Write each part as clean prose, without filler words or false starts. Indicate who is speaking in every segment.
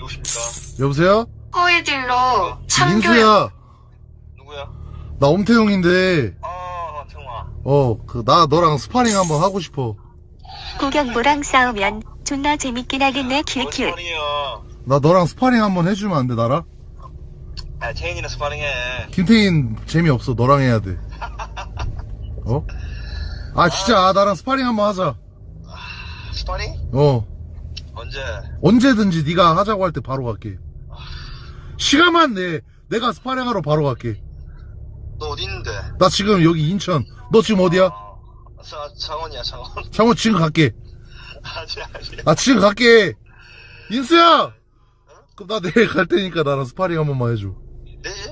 Speaker 1: 누구십니까?
Speaker 2: 여보세요?
Speaker 3: 허위딜러 참교육.
Speaker 2: 민수야.
Speaker 1: 누구야?
Speaker 2: 나 엄태웅인데,
Speaker 1: 태웅아.
Speaker 2: 나 너랑 스파링 한번 하고 싶어.
Speaker 4: 구경모랑 싸우면 존나 재밌긴 하겠네. 큐큐.
Speaker 1: 스파링이요.
Speaker 2: 나 너랑 스파링 한번 해주면 안 돼, 나랑?
Speaker 1: 아, 태인이랑 스파링해.
Speaker 2: 김태인 재미없어, 너랑 해야 돼. 어? 아, 진짜, 나랑 스파링 한번 하자.
Speaker 1: 스파링?
Speaker 2: 언제?
Speaker 1: 언제든지
Speaker 2: 네가 하자고 할 때 바로 갈게. 시간만 내. 내가 스파링 하러 바로 갈게.
Speaker 1: 너 어디 있는데?
Speaker 2: 나 지금 여기 인천. 너 지금 어디야?
Speaker 1: 창원이야, 창원.
Speaker 2: 창원 지금 갈게.
Speaker 1: 아직.
Speaker 2: 나 지금 갈게. 인수야! 그럼 나 내일 갈 테니까 나랑 스파링 한 번만 해줘.
Speaker 1: 내일?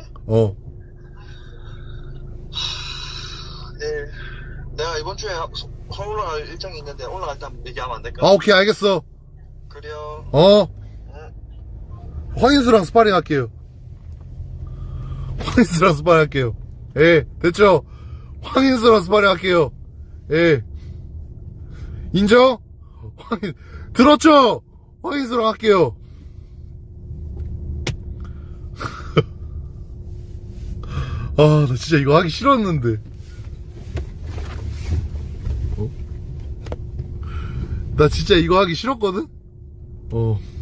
Speaker 1: 내일. 내가 이번 주에 서울 올라갈 일정이 있는데 올라갈 때 한번 얘기하면 안 될까?
Speaker 2: 아, 오케이, 알겠어.
Speaker 1: 그래요.
Speaker 2: 황인수랑 스파링 할게요. 황인수랑 스파링 할게요. 예, 됐죠? 황인수랑 스파링 할게요. 예. 인정? 들었죠? 황인수랑 할게요. 아, 나 진짜 이거 하기 싫었는데. 나 진짜 이거 하기 싫었거든?